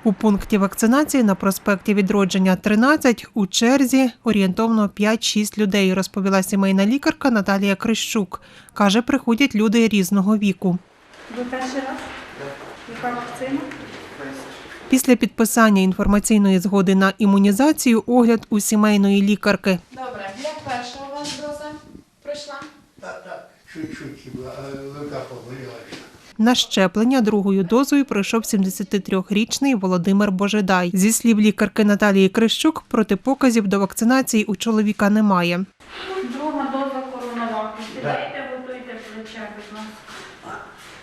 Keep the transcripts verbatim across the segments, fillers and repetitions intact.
У пункті вакцинації на проспекті Відродження, тринадцять у черзі орієнтовно п'ять-шість людей, розповіла сімейна лікарка Наталія Крищук. Каже, приходять люди різного віку. Ви перший раз? Яка вакцина? Після підписання інформаційної згоди на імунізацію огляд у сімейної лікарки. Добре. Як перша у вас доза пройшла? Так, так, чуть-чуть хіба, рука поболіла. На щеплення другою дозою пройшов сімдесятитрирічний Володимир Божедай. Зі слів лікарки Наталії Крищук, протипоказів до вакцинації у чоловіка немає. Друга доза коронаваку. Сідайте, готуйте плече, будь ласка.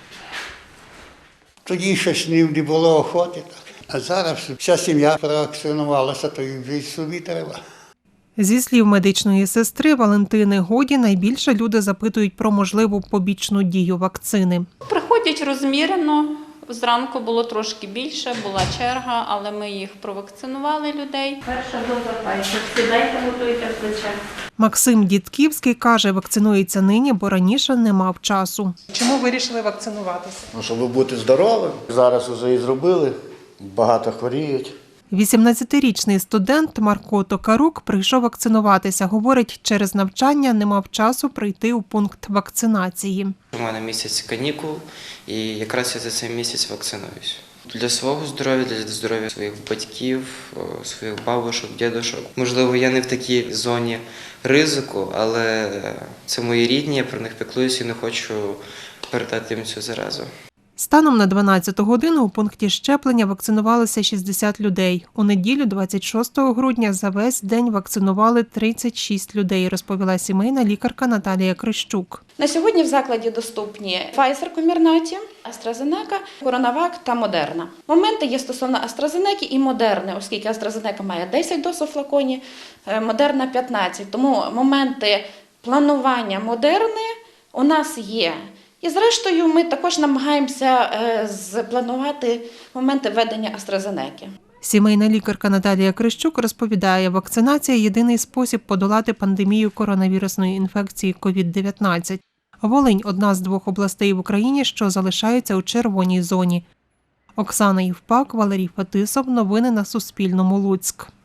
Тоді щось не було охоти, так. А зараз вся сім'я провакцинувалася, то і вже собі треба. Зі слів медичної сестри Валентини Годі, найбільше люди запитують про можливу побічну дію вакцини. Приходять розмірено. Зранку було трошки більше, була черга, але ми їх провакцинували людей. Перша доза Pfizer. Сідайте, готуйте плече. Максим Дідківський каже, вакцинується нині, бо раніше не мав часу. Чому вирішили вакцинуватися? Ну, щоб бути здоровим. Зараз вже і зробили, багато хворіють. вісімнадцятирічний студент Марко Токарук прийшов вакцинуватися. Говорить, через навчання не мав часу прийти у пункт вакцинації. У мене місяць канікул, і якраз я за цей місяць вакцинуюсь. Для свого здоров'я, для здоров'я своїх батьків, своїх бабушок, дідушок. Можливо, я не в такій зоні ризику, але це мої рідні, я про них піклуюся і не хочу передати їм цю заразу. Станом на дванадцяту годину у пункті щеплення вакцинувалося шістдесят людей. У неділю, двадцять шостого грудня, за весь день вакцинували тридцять шість людей, розповіла сімейна лікарка Наталія Крищук. На сьогодні в закладі доступні Pfizer Comirnaty, AstraZeneca, CoronaVac та Moderna. Моменти є стосовно AstraZeneca і Moderna, оскільки AstraZeneca має десять доз у флаконі, Moderna – п'ятнадцять. Тому моменти планування Moderna у нас є. І зрештою ми також намагаємося спланувати моменти введення AstraZeneca. Сімейна лікарка Наталія Крищук розповідає, вакцинація – єдиний спосіб подолати пандемію коронавірусної інфекції ковід дев'ятнадцять. Волинь – одна з двох областей в Україні, що залишаються у червоній зоні. Оксана Євпак, Валерій Фетисов. Новини на Суспільному. Луцьк.